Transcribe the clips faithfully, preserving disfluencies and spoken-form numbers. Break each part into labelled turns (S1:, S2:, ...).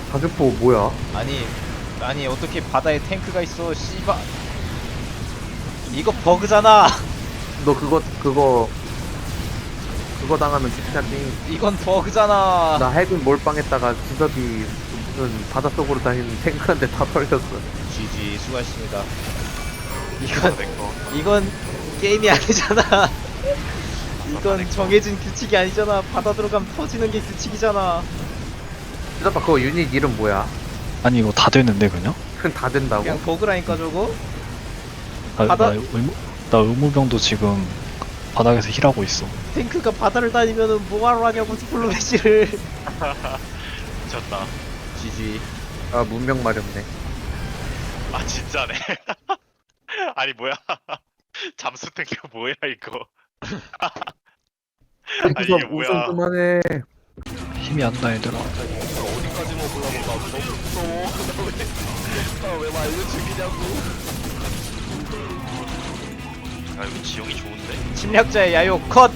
S1: 자주포 뭐야?
S2: 아니 아니 어떻게 바다에 탱크가 있어 씨바. 이거 버그잖아.
S1: 너 그거 그거 그거 당하면 죽잖니.
S2: 이건 버그잖아.
S1: 나 해군 몰빵했다가 주섭이 무슨 바닷속으로 다니는 탱크한테 다 털렸어.
S2: 지지 수고하셨습니다. 이건 이건 게임이 아니잖아. 이건 정해진 규칙이 아니잖아. 바다 들어가면 터지는 게 규칙이잖아.
S1: 주섭아 그거 유닛 이름 뭐야?
S3: 아니 이거 다 되는데 그냥?
S1: 그건 다 된다고?
S2: 그냥 버그라니까 저거.
S3: 나,
S2: 바다-
S3: 나, 의무, 나 의무병도 지금 바닥에서 힐하고 있어.
S2: 탱크가 바다를 다니면은 뭐하러 하냐고 스플로메시를.
S4: 미쳤다.
S2: 지지.
S1: 아 문명 마렵네.
S4: 아 진짜네. 아니 뭐야? 잠수 탱크 뭐야 이거? 아니 이게
S1: 주섭
S4: 뭐야?
S1: 우승 그만해.
S3: 힘이 안 나 얘들아.
S4: 어디까지 먹으려고 나 너무 무서워. 나왜 말려 죽이냐고. 아 이거 지형이 좋은데?
S2: 침략자의 야욕 컷.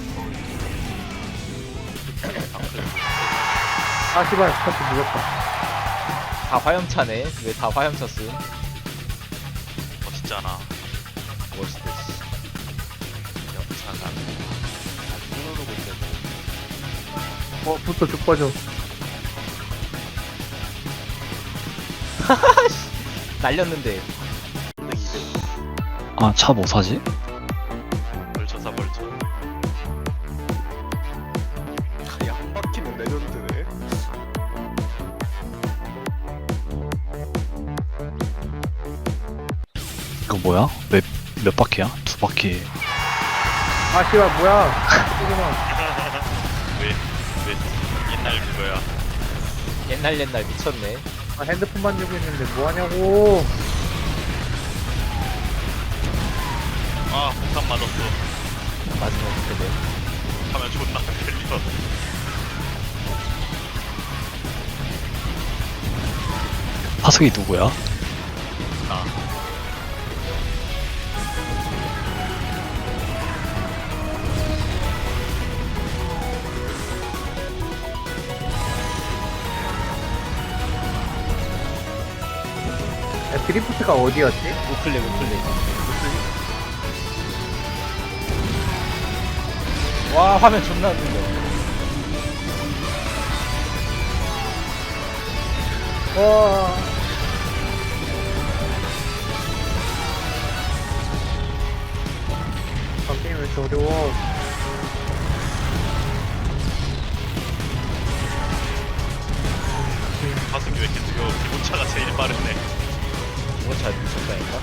S1: 아 씨발 스타트 늦었다.
S2: 다 화염차네. 왜 다 화염차 쓴?
S4: 멋있잖아.
S2: 멋있대. 씨.
S4: 영차가 누르고 있는.
S1: 어 부터 쭉 빠져.
S2: 날렸는데.
S3: 아 차 뭐 사지?
S4: 벌쳐사 벌쳐. 아니 한 바퀴는 레전드네.
S3: 이거 뭐야? 몇, 몇 바퀴야? 두 바퀴.
S1: 아 씨발 뭐야? 끄구나.
S4: 왜왜 옛날 그거야?
S2: 옛날 옛날 미쳤네.
S1: 아 핸드폰 만지고 있는데 뭐 하냐고.
S4: 아 폭탄 맞았어.
S2: 맞으면 어떻게 돼?
S4: 하면 존나 들려.
S3: 파석이 누구야?
S4: 나.
S1: 야, 드리프트가 어디였지?
S2: 우클릭 우클릭. 와 화면 존나 흔들려.
S1: 와. 아 게임 왜 이렇게 어려워?
S4: 가슴이 왜 이렇게 뜨거워? 기본차가 제일 빠르네.
S2: 이거 잘 미쳤다니까.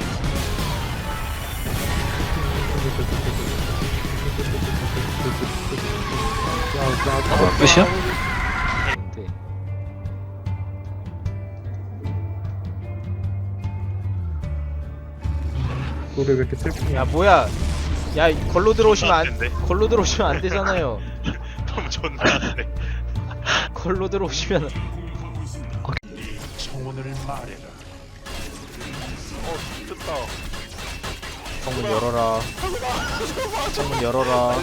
S1: 야,
S3: 뭐야, 끝이야?
S2: 근데
S1: 노래 왜 이렇게 슬프냐?
S2: 야 뭐야? 야 이- 걸로 들어오시면 안
S4: 존나
S2: 걸로 들어오시면 안 되잖아요.
S4: 너무 존나 안 돼.
S2: 걸로 들어오시면
S4: 소문을 말해라. 어, 됐다.
S2: 창문 열어라. 창문 열어라.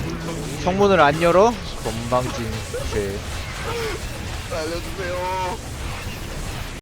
S2: 창문을 안 열어? 건방진 죄.
S4: 알려주세요.